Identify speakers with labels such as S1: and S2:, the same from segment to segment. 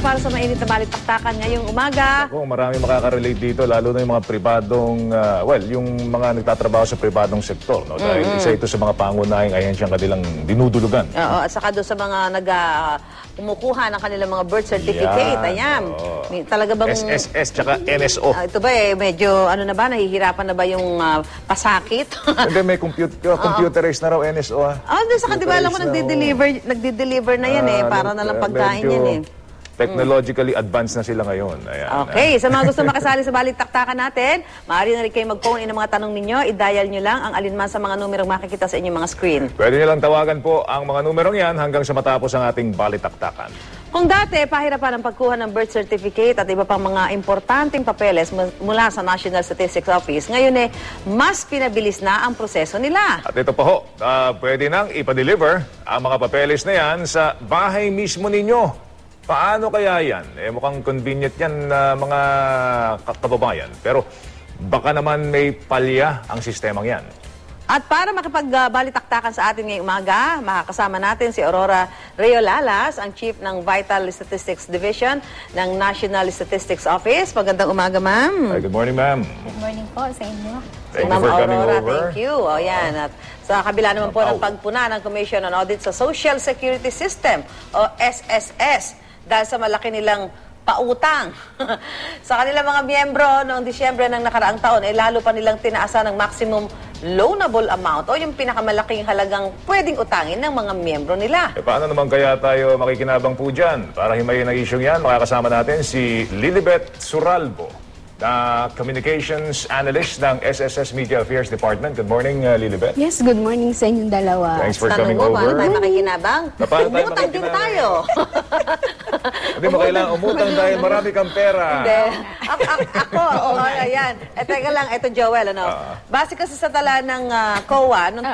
S1: para sa mainit na balitaktakan ngayong umaga.
S2: Ako, marami makaka-relate dito, lalo na yung mga pribadong, yung mga nagtatrabaho sa pribadong sektor. No? Dahil isa ito sa mga pangunahing ahensyang kanilang dinudulugan.
S1: Oo, at saka doon sa mga kumukuha ng kanilang mga birth certificate. Ayan. Talaga bang...
S2: SSS tsaka NSO.
S1: Ito ba medyo na ba, nahihirapan na ba yung pasakit?
S2: Hindi, may computerized na raw NSO.
S1: Doon sa di ba alam mo, nagdi-deliver na yan para na lang pagkain yan eh.
S2: Technologically advanced na sila ngayon. Ayan.
S1: Okay, sa mga gusto makasali sa balitaktakan natin, maaari na rin kayo mag-phone in ang mga tanong ninyo. I-dial nyo lang ang alinman sa mga numerong makikita sa inyong mga screen.
S2: Pwede nyo lang tawagan po ang mga numerong yan hanggang sa matapos ang ating balitaktakan.
S1: Kung dati, pahirapan ang pagkuha ng birth certificate at iba pang mga importanteng papeles mula sa National Statistics Office, ngayon mas pinabilis na ang proseso nila.
S2: At ito pa ho, pwede nang ipa-deliver ang mga papeles na yan sa bahay mismo ninyo. Paano kaya yan? Mukhang convenient yan mga kababayan. Pero baka naman may palya ang sistemang yan.
S1: At para makipagbalitaktakan sa atin ngayong umaga, makakasama natin si Aurora Reolalas, ang Chief ng Vital Statistics Division ng National Statistics Office. Magandang umaga, ma'am.
S2: Hi, good morning, ma'am.
S3: Good morning po sa inyo.
S2: Thank
S1: Ma'am
S2: you for coming
S1: Aurora,
S2: over.
S1: thank you. Yan. At sa kabila naman po ng pagpuna ng Commission on Audit sa Social Security System o SSS dahil sa malaki nilang pautang sa kanilang mga miyembro noong Disyembre ng nakaraang taon, lalo pa nilang tinaasan ng maximum loanable amount o yung pinakamalaking halagang pwedeng utangin ng mga miyembro nila.
S2: Paano naman kaya tayo makikinabang po dyan? Para himayin ang isyong yan, makakasama natin si Lilibet Suralbo, na Communications Analyst ng SSS Media Affairs Department. Good morning, Lilibet.
S3: Yes, good morning sa inyong dalawa.
S2: Thanks for
S1: Tanong
S2: coming
S1: mo,
S2: over.
S1: paano tayo makikinabang?
S2: Paano tayo
S1: Umutang din tayo.
S2: Hindi mo kailangan umutang dahil marami kang pera.
S1: Hindi. Ako, ayan. Teka lang, ito Joel, base kasi sa tala ng COA, noong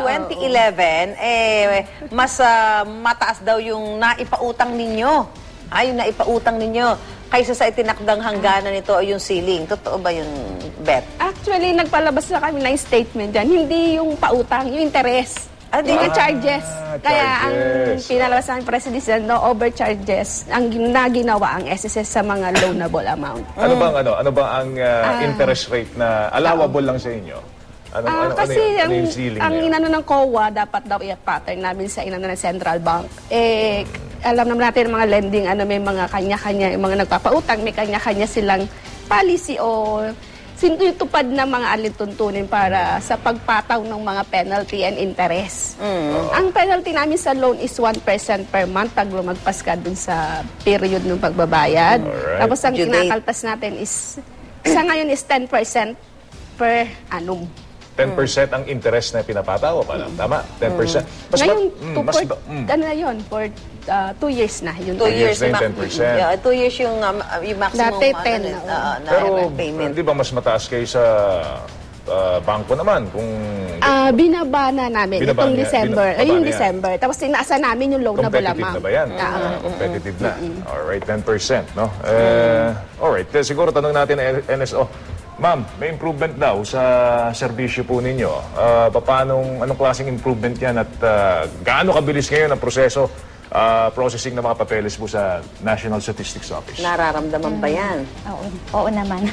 S1: 2011, mas mataas daw yung naipautang ninyo. Yung naipautang ninyo kaysa sa itinakdang hangganan nito o yung ceiling. Totoo ba yung bet?
S3: Actually, nagpalabas na kami ng statement dyan. Hindi yung pautang, yung interest. Hindi yung charges. Kaya ang pinalabas ng President, no overcharges ang ginawa ang SSS sa mga loanable amount.
S2: Ano bang ang interest rate na allowable lang sa inyo?
S3: Kasi
S2: yung ceiling
S3: ang inano ng COA, dapat daw i-pattern namin sa inano ng Central Bank. Alam naman natin mga lending, may mga kanya-kanya, yung mga nagpapautang, may kanya-kanya silang policy o sinutupad na mga alintuntunin para sa pagpataw ng mga penalty and interest. Ang penalty namin sa loan is 1% per month pag lumagpas ka dun sa period ng pagbabayad. Tapos ang kinakaltas natin is, sa ngayon is 10% per annum.
S2: 10% ang interest na pinapataw, tama? 10%.
S3: Ngayon, na yun, for 2 years na.
S1: 2 years
S2: na yung 10%.
S1: 2 years yung maximum
S3: Dati 10
S2: Pero
S1: payment.
S2: di ba mas mataas kayo sa bangko naman? Kung
S3: binaba na namin itong December. Yung December. Tapos inaasa namin yung loanable amount.
S2: competitive na ba yan? Competitive na. Alright, 10%. No? Alright, siguro tanong natin NSO. Ma'am, may improvement daw sa serbisyo po ninyo. Anong klaseng improvement yan at gaano kabilis ngayon ang proseso, processing ng mga papeles po sa National Statistics Office?
S1: Nararamdaman ba yan?
S4: Oo naman.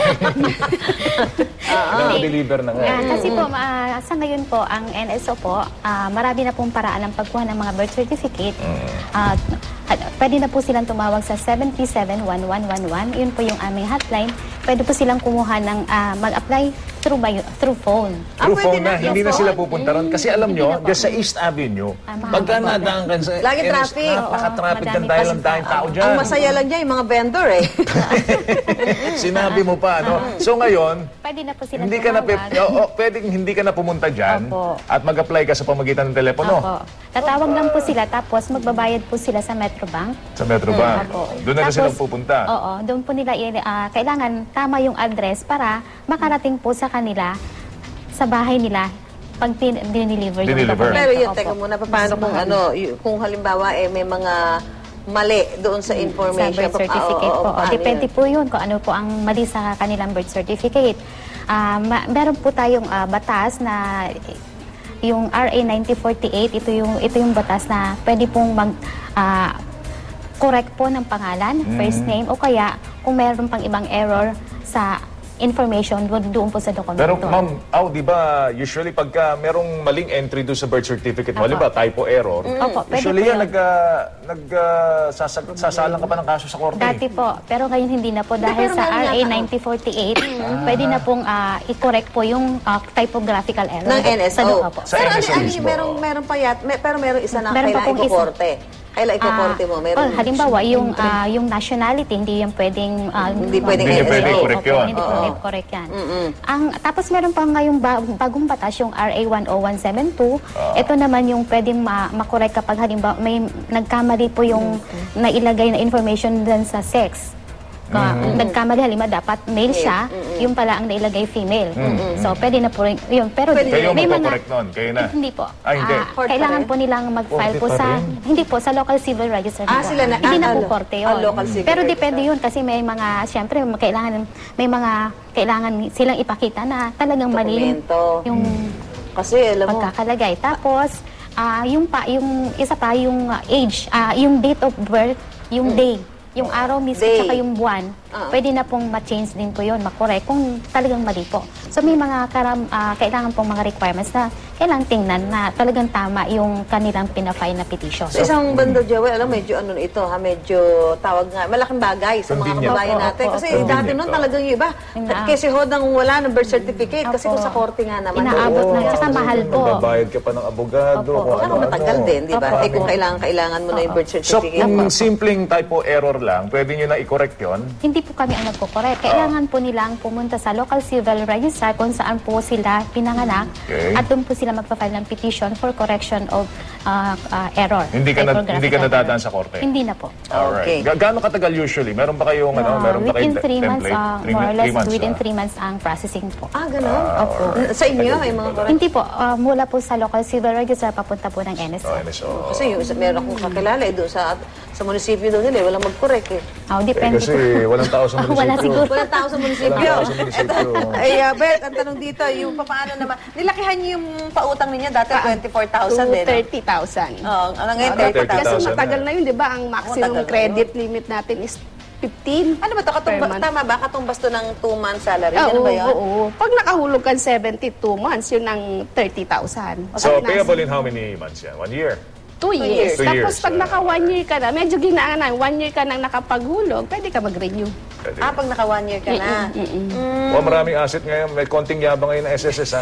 S2: Deliver na nga.
S4: Kasi po, sa ngayon po, ang NSO po, marami na pong paraan ng pagkuha ng mga birth certificate. Pwede na po silang tumawag sa 737-1111. Yun po yung aming hotline. Pwede po silang kumuha ng mag-apply through phone.
S2: Through phone na, hindi na sila pupunta ron. Kasi alam nyo, sa East Avenue, pagka nadaan ka sa
S1: Lagi traffic.
S2: Napaka-traffic kan dahil ang tayong tao dyan.
S1: Ang masaya lang dyan, yung mga vendor
S2: Sinabi mo pa, no? So ngayon,
S4: Pwede na po silang
S2: hindi ka na,
S4: tumawag.
S2: pwedeng hindi ka na pumunta dyan
S4: Opo.
S2: at mag-apply ka sa pamagitan ng telepono.
S4: Opo. Tatawag lang po sila, tapos magbabayad po sila sa Metrobank.
S2: Sa Metrobank.
S4: Opo.
S2: Doon na sila pupunta.
S4: Oo, doon po nila kailangan tama yung address para makarating po sa kanila, sa bahay nila, pag dinideliver yung dokumento.
S1: Pero yun,
S4: Opo.
S1: teka muna, paano kung halimbawa may mga mali doon sa information.
S4: Sa birth certificate po. Depende po yun kung ano po ang mali sa kanilang birth certificate. Meron po tayong batas na yung RA 9048, ito yung batas na pwede pong correct po ng pangalan, first name, o kaya kung meron pang ibang error sa information doon po sa dokumento.
S2: Pero ma'am, di ba usually pagka merong maling entry doon sa birth certificate mo, halimbawa typo error,
S4: Opo, pwede
S2: usually
S4: po
S2: yan,
S4: yun.
S2: sasalang ka pa ng kaso sa korte.
S4: Dati po, pero ngayon hindi na po dahil
S1: pero
S4: sa
S1: meron
S4: RA
S1: yata.
S4: 9048, pwede na pong i-correct po yung typographical error.
S1: Ng NSO.
S4: Sa Opo.
S2: Sa
S1: Pero
S2: NSO mismo.
S1: meron pa pero meron isa na
S4: Meron pa
S1: kailangan
S4: pong isa.
S1: ikukorte. Kailan ikukorte mo? Meron.
S4: Halimbawa, yung nationality, hindi yan pwedeng...
S1: Hindi pwedeng
S2: Hindi
S1: NSO.
S2: pwedeng i-correct yun.
S4: Hindi pwedeng correct yan. Tapos meron pa ngayong bagong batas, yung RA 10172. Ito naman yung pwedeng makorek kapag halimbawa may nagkamali po yung nailagay na information dun sa sex. Nagkamali halimbawa dapat male siya, yung pala ang nailagay female. So pwede na po rin yun. Pero
S2: Kayo
S4: may
S2: magpo-correct nun? Kayo na?
S4: Hindi po.
S2: Hindi.
S1: Court pa
S4: Kailangan
S1: rin?
S4: po nilang mag-file
S2: Korte
S4: po
S2: pa
S4: sa
S2: rin?
S4: hindi po sa local civil register. po.
S1: Sila na-
S4: Hindi na po
S1: lo-
S4: korte yun.
S1: local civil
S4: Pero
S1: register.
S4: depende yun kasi may mga siyempre kailangan silang ipakita na talagang mali
S1: Dokumento.
S4: yung
S1: Kasi alam mo,
S4: pagkakalagay. Tapos yung isa pa yung age, yung date of birth, yung day, yung araw mismo
S1: Day.
S4: tsaka yung buwan, pwede na pong ma-change din po yun, makorek kung talagang mali po. So may mga kailangan pong mga requirements na kailangan tingnan na talagang tama yung kanilang pinafile na petition.
S1: sa isang banda, Joel, alam, medyo ito, medyo tawag nga, malaking bagay sa mga
S2: Convenient.
S1: kababayan
S4: Opo,
S1: natin.
S4: opo,
S1: Kasi
S2: opo.
S1: dati nun talagang yung iba, kasi hodang wala ng birth certificate. Kasi
S4: Opo.
S1: kung sa korte nga naman.
S4: Inaabot na, tsaka mahal po.
S2: Magbabayad ka pa ng abogado.
S4: Opo.
S2: kung
S1: Saka
S2: ano-ano.
S1: matagal din, di ba?
S4: Opo,
S1: Eh kung
S4: opo.
S1: kailangan mo na yung birth
S2: So,
S1: certificate.
S2: kung simpleng typo error lang, pwede nyo na i-correct yun?
S4: Hindi po kami ang nagko-correct. Kailangan po nilang pumunta sa local civil register kung saan po sila pinanganak
S2: Okay.
S4: at doon po sila magpa-file ng petition for correction of error.
S2: Hindi ka
S4: typographical
S2: nadadaan
S4: error.
S2: sa korte?
S4: Hindi na po.
S2: Alright.
S1: Okay.
S2: Gaano katagal usually? Meron ba kayong, meron ba
S4: Within
S2: kayong
S4: 3 months,
S2: template?
S4: more or less, within
S2: 3
S4: 3 months ang processing po.
S1: Ganun? Opo. Sa inyo, may mga correct.
S4: Hindi po, mula po sa local civil register papunta po ng NSO.
S2: NSO.
S1: Kasi yung meron akong kakilala doon sa munisipyo doon nila, walang mag-correct eh.
S4: Depende
S2: Kasi
S4: po.
S2: walang tao sa munisipyo.
S4: Wala siguro.
S1: Walang tao sa munisipyo.
S2: Walang tao sa munisipyo.
S1: Ay, Bert, ang tanong dito, yung paano naman, nilakihan niyo yung pautang ninyo dati 24,000 din.
S3: 30,000.
S1: Oo, ano ngayon,
S2: 30,000.
S1: 30,000.
S3: Kasi
S2: 30,000
S3: matagal
S2: na.
S3: na yun, di ba? Ang maximum
S1: matagal na
S3: credit limit natin is 15.
S1: Ano ba ito?
S3: Per month.
S1: Tama ba? Katumbas to ng 2-month salary?
S3: Oo,
S1: Ano ba yun?
S3: oo. Pag nakahulog ka 72 months, yun ang 30,000.
S2: So, payable in how many months yan? 1 year?
S3: 2 years.
S2: 2
S3: Tapos
S2: years.
S3: pag naka 1 year ka na, medyo ginaan na, 1 year ka nang nakapaghulog, pwede ka mag-renew.
S2: Pwede.
S1: Pag naka 1 year ka na.
S2: Maraming asset ngayon. May konting yabang ngayon ng SSS, ha?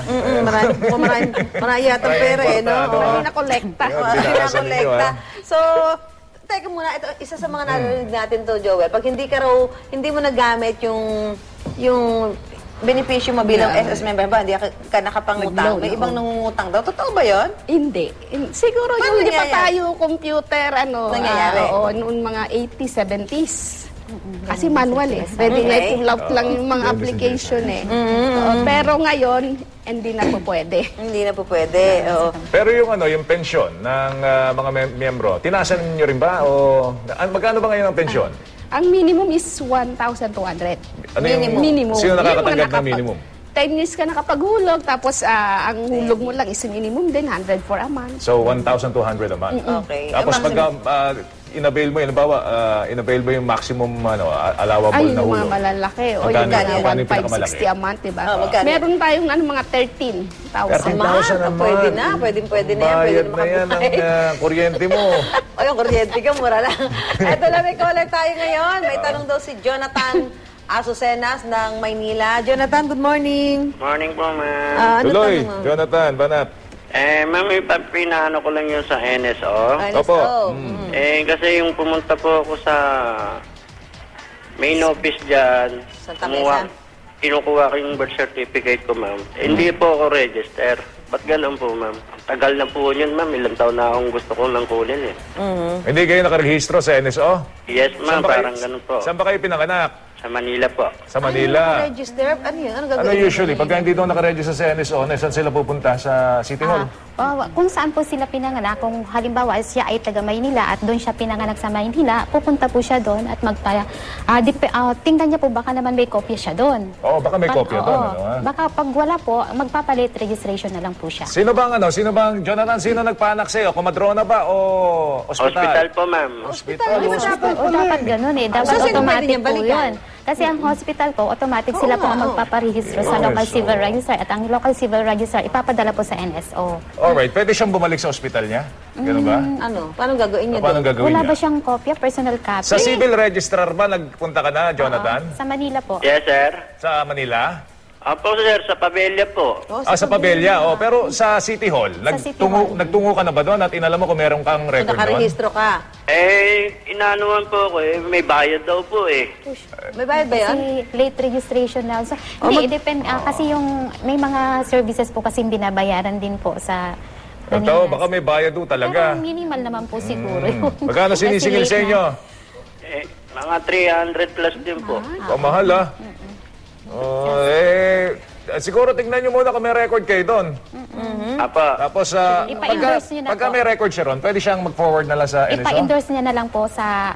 S1: Marami yata pera eh, no?
S2: importante,
S3: Hindi na kolekta.
S2: Yun,
S1: Oo,
S2: binakasan ninyo,
S1: kolekta.
S2: ha?
S1: So, teka muna, ito, isa sa mga narinig natin to, Joel. Pag hindi mo nagamit yung benepisyo mo bilang SS member ba, hindi ka nakapangutang.
S3: Nag-loan,
S1: May
S3: oo.
S1: ibang nangungutang daw. Totoo ba yun?
S3: Hindi. Siguro
S1: Paano
S3: yung hindi pa
S1: nangyayari?
S3: tayo computer,
S1: Nangyayari?
S3: oo, noon mga 80s, 70s. Kasi manual eh. Pwede
S1: Okay.
S3: na i-pull out lang yung mga application eh. Oo, pero ngayon, hindi na po pwede.
S1: Hindi na po pwede. Oo.
S2: Pero yung pensyon ng mga miyembro, tinasan niyo rin ba? O magkano ba ngayon ang pensyon?
S3: Ang minimum is 1,200.
S2: Ano yung
S3: Minimum.
S2: Sino
S3: Yung
S2: nakakatanggap
S3: mga
S2: ng minimum?
S3: 10 years ka nakapaghulog, tapos ang hulog mo lang is minimum din, 100 for a month.
S2: So, 1,200 a month.
S1: Okay.
S2: Tapos
S1: Ang
S2: pag inavail mo, inavail mo yung maximum allowable
S3: Ay,
S2: na
S3: yung mga
S2: hulog.
S3: malalaki. O
S2: Magkano-
S3: yung mga
S2: magkano yung pinakamalaki?
S3: 1,560 a month, diba?
S1: magkano?
S3: Meron tayong mga 13,000.
S2: 13,000 naman.
S1: Pwede na. Pwede na yan. Pwede
S2: Bayad
S1: na
S2: na yan ang
S1: makabuhay.
S2: kuryente mo.
S1: O yung kuryente ka, mura lang. Eto na, may caller tayo ngayon. May tanong daw si Jonathan Asucenas ng Maynila. Jonathan, good morning.
S5: Morning po, ma'am.
S1: Ano
S2: Tuloy,
S1: tanong mo?
S2: Jonathan, banat.
S5: Ma'am, pinaano ko lang yun sa NSO.
S2: Opo.
S5: Kasi yung pumunta po ako sa main office dyan,
S1: Santa Mesa?
S5: kinukuha ko yung birth certificate ko, ma'am. Hindi po ako register. Ba't ganun po, ma'am? Tagal na po yun, ma'am. Ilang taon na akong gusto kong nang kunin, eh.
S2: Hindi kayo nakarehistro sa NSO?
S5: Yes, ma'am.
S2: ba kayo-
S5: Parang ganun po.
S2: Saan ba kayo pinanganak?
S5: Sa Manila po.
S2: Sa Manila.
S1: Register? Ano yun? Ano
S2: Ano
S1: gagawin?
S2: usually? Pagka hindi daw nakaregister sa NSO, saan sila pupunta? Sa City Hall?
S4: Kung saan po sila pinanganak, kung halimbawa siya ay taga Maynila at doon siya pinanganak sa Maynila, pupunta po siya doon at tingnan niya po baka naman may kopya siya doon.
S2: Oo, baka may kopya doon. Ano, ha?
S4: Baka pag wala po, magpapalit registration na lang po siya.
S2: Sino bang Jonathan, sino nagpanak sa'yo? Komadrona ba o ospital?
S5: Hospital po, ma'am.
S2: Hospital.
S4: Dapat ganun eh. Dapat
S1: So, sino pwede
S4: automatic
S1: niyang
S4: po
S1: balikan?
S4: yun. Kasi ang hospital po, automatic sila po ang magpaparehistro sa local civil register at ang local civil register ipapadala po sa NSO.
S2: Alright, pwede siyang bumalik sa ospital niya? Ganun ba?
S1: Ano? Paano gagawin niya
S2: Paano
S1: doon?
S2: gagawin
S4: Wala
S2: niya?
S4: ba siyang kopya, personal copy?
S2: Sa civil registrar ba nagpunta ka na, Jonathan?
S4: Sa Manila po.
S5: Yes, sir.
S2: Sa Manila?
S5: Opo, sir, sa Pabella po.
S2: Sa Pabella. Oh, pero sa City Hall,
S4: City Hall.
S2: nagtungo ka na ba doon at inalam mo kung meron kang
S1: So,
S2: record doon?
S1: nakarehistro ka.
S5: Inanuan po ako may bayad daw po eh.
S1: May bayad ba yun?
S4: Kasi late registration na. So, hindi, depend. Kasi yung may mga services po kasing binabayaran din po sa
S2: Ito, baka may bayad doon talaga.
S4: Pero minimal naman po siguro yun.
S2: Magkano
S4: Kasi
S2: sinisingil
S4: late
S2: sa
S4: na.
S2: inyo?
S5: Mga 300 plus din po.
S2: Pamahal ah. Siguro tingnan nyo muna kung may record kayo doon.
S5: Apa.
S2: Tapos,
S4: Ipa-endorse nyo na
S2: pagka
S4: po.
S2: may record siya ron, pwede siyang mag-forward na lang sa NSO?
S4: Ipa-endorse niya na lang po sa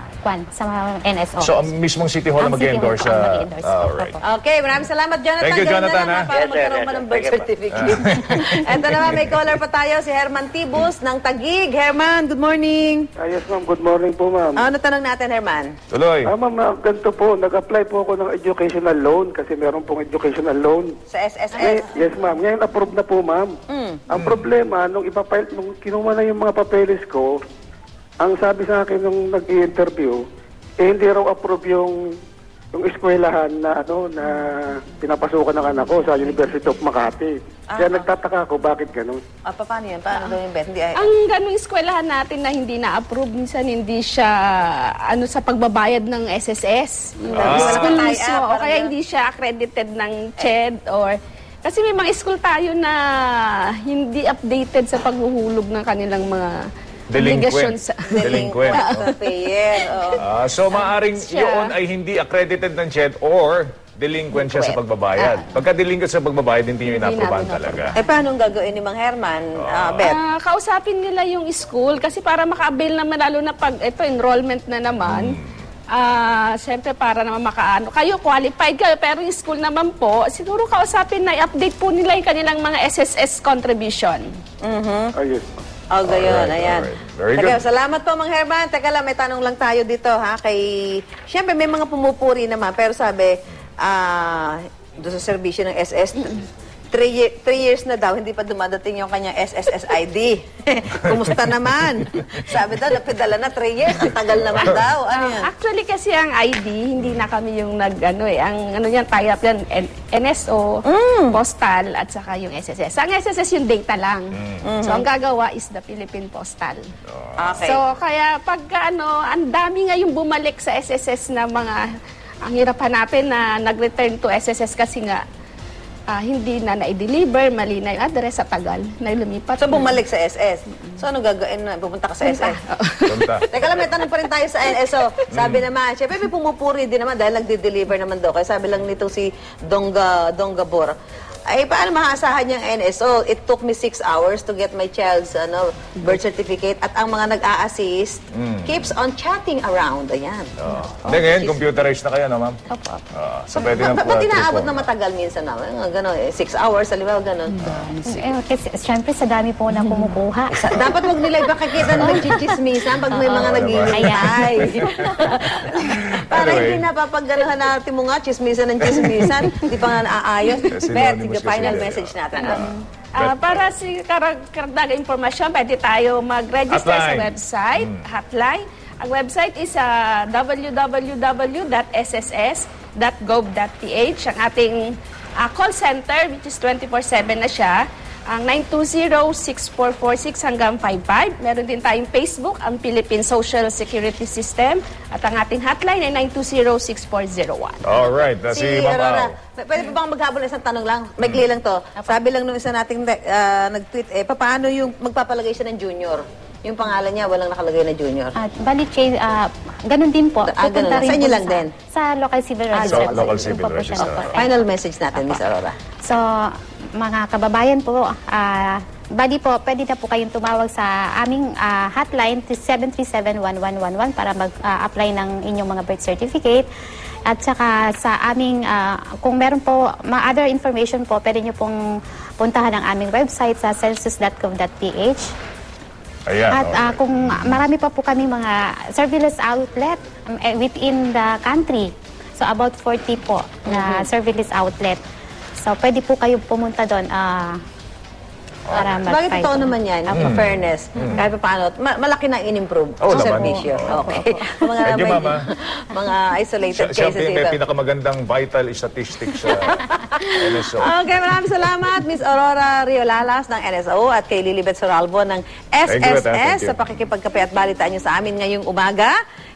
S4: NSO.
S2: So, ang mismong City Hall na
S4: Ang City Hall
S2: mag-endorse
S4: po ang
S2: sa...
S4: mag-endorse.
S2: Alright.
S1: Okay, maraming salamat, Jonathan.
S2: Thank you,
S1: Ganun
S2: Jonathan,
S1: na lang,
S2: ha?
S1: para
S5: Yes, sir.
S1: magkaroon
S5: Yes,
S1: pa ng
S5: sir.
S1: birth
S5: Thank you,
S1: certificate. Ito naman, may caller pa tayo, si Herman Tibus ng Taguig. Herman, good morning.
S6: Yes, ma'am. Good morning po, ma'am.
S1: Ano tanong natin, Herman?
S2: Tuloy.
S6: Ma'am, ganito po. Nag-apply po ako ng educational loan kasi meron pong educational loan.
S1: Sa SSS.
S6: Yes, ma'am. Ngayon, approve na po, ma'am. Ang problema, nung kinuha na yung mga papeles ko, ang sabi sa akin nung nag-i-interview, hindi raw approve yung eskwelahan na na pinapasukan ng anak ko sa University of Makati. Kaya nagtataka ako bakit ganun.
S1: Paano yan? Paano daw yung bet? Hindi,
S3: Ang ganung eskwelahan natin na hindi na-approve, minsan hindi siya sa pagbabayad ng SSS.
S1: Wala
S3: School
S1: kang
S3: mismo,
S1: tie-up,
S3: o
S1: parang
S3: kaya
S1: ganun.
S3: hindi siya accredited ng CHED or... Kasi may mga school tayo na hindi updated sa paghuhulog ng kanilang mga obligasyon sa...
S2: Delinquent.
S1: Payer. Oh.
S2: So, maaring
S3: Siya.
S2: yun ay hindi accredited ng CHED or delinquent siya sa pagbabayad. Pagka delinquent sa pagbabayad, hindi nyo inaprobahan
S3: namin
S2: talaga.
S1: Paano gagawin ni Mang Herman, Bet?
S3: Kausapin nila yung school kasi para maka-avail naman, lalo na pag ito enrollment na naman, siyempre para naman makaano. Kayo, qualified kayo, pero yung school naman po, siguro kausapin na i-update po nila yung kanilang mga SSS contribution.
S6: Ayos.
S1: Oh, gayon.
S2: Alright,
S1: Ayan.
S2: alright. Very
S1: Teka,
S2: good.
S1: salamat po, Mang Herman. Teka lang, may tanong lang tayo dito, ha? Siyempre, may mga pumupuri naman, pero sabi, doon sa serbisyo ng SS, 3 years na daw, hindi pa dumadating yung kanyang SSS ID. Kumusta naman? Sabi daw, napidala na 3 years. Tagal naman daw. Ano yan?
S3: Actually kasi ang ID, hindi na kami yung ang yan, tie-up yan, NSO, postal, at saka yung SSS. Ang SSS yung data lang. So ang gagawa is the Philippine Postal.
S1: Okay.
S3: So kaya pagka ang dami nga yung bumalik sa SSS na ang hirap hanapin na nag-return to SSS kasi nga hindi na na-deliver, mali na yung address sa tagal na lumipat.
S1: So, bumalik sa SS. So, ano gagawin na? Pupunta ka sa SS?
S2: Punta.
S1: Teka lang, may tanong pa rin tayo sa NSO. Sabi naman, syempre may pumupuri din naman dahil nagde-deliver naman daw. Kaya sabi lang nito si Dongga Bor, ay paano maasahan yung NSO? It took me 6 hours to get my child's birth certificate at ang mga nag-a-assist keeps on chatting around. Ayan.
S2: Hindi, ngayon, computerized na kayo, no, ma'am?
S4: Opo.
S2: So, pwede na
S1: Ba't inaabot na matagal minsan na? Gano'n, 6 hours, halimbawa gano'n.
S4: Kasi syempre sa dami po na kumukuha.
S1: Dapat wag nila ipakikita na nagchichismisan pag may mga naghihintay. Para hindi napapagganuhan natin mo nga, chismisan ng chismisan, hindi pa nga naaayos. Bet,
S2: Synonymous
S1: sige,
S2: kasi
S1: final
S2: yun.
S1: message natin.
S3: Para sa karagdagang impormasyon, pwede tayo mag-register sa
S2: Hotline.
S3: website, hotline. Ang website is www.sss.gov.ph. Ang ating call center, which is 24/7 na siya, ang 920-6446 hanggang 55. Meron din tayong Facebook, ang Philippine Social Security System. At ang ating hotline ay 920-6401.
S2: Alright, si Ma'am
S1: Aurora,
S2: Au.
S1: pwede pa bang maghabol ng isang tanong lang? Maikli lang to. Sabi lang nung isa nating nag-tweet, paano yung magpapalagay siya ng junior? Yung pangalan niya, walang nakalagay na junior.
S4: At bali, ganun din po.
S1: ganun
S4: Pupunta
S1: lang.
S4: rin
S1: Sa inyo
S4: po
S1: lang din?
S4: Sa local civil register.
S2: Sa local
S4: Doon
S2: civil
S4: po po siya
S2: register.
S4: opo.
S1: Final message natin, Miss Aurora.
S4: So, mga kababayan po, Bali po, pwede na po kayong tumawag sa aming hotline 737-1111 para mag-apply ng inyong mga birth certificate. At saka sa aming, kung meron po other information po, pwede nyo pong puntahan ang aming website sa census.gov.ph.
S2: Ayan.
S4: At kung marami pa po kami mga surveillance outlet within the country. So about 40 po na surveillance outlet. So pwede po kayo pumunta doon para
S1: Bakit totoo naman yan, in fairness, kahit pa paano, malaki na in-improve
S2: Oo
S1: sa
S2: naman.
S1: servisyo. Okay. Mga,
S2: Thank you,
S1: may-
S2: Mama.
S1: mga isolated
S2: Siya
S1: cases
S2: may
S1: ito.
S2: pinakamagandang vital statistics sa NSO.
S1: Okay, maraming salamat, Miss Aurora Riolalas ng NSO at kay Lilibet Soralvo ng
S2: Thank you,
S1: SSS
S2: thank you.
S1: sa pakikipagkape at balitaan niyo sa amin ngayong umaga.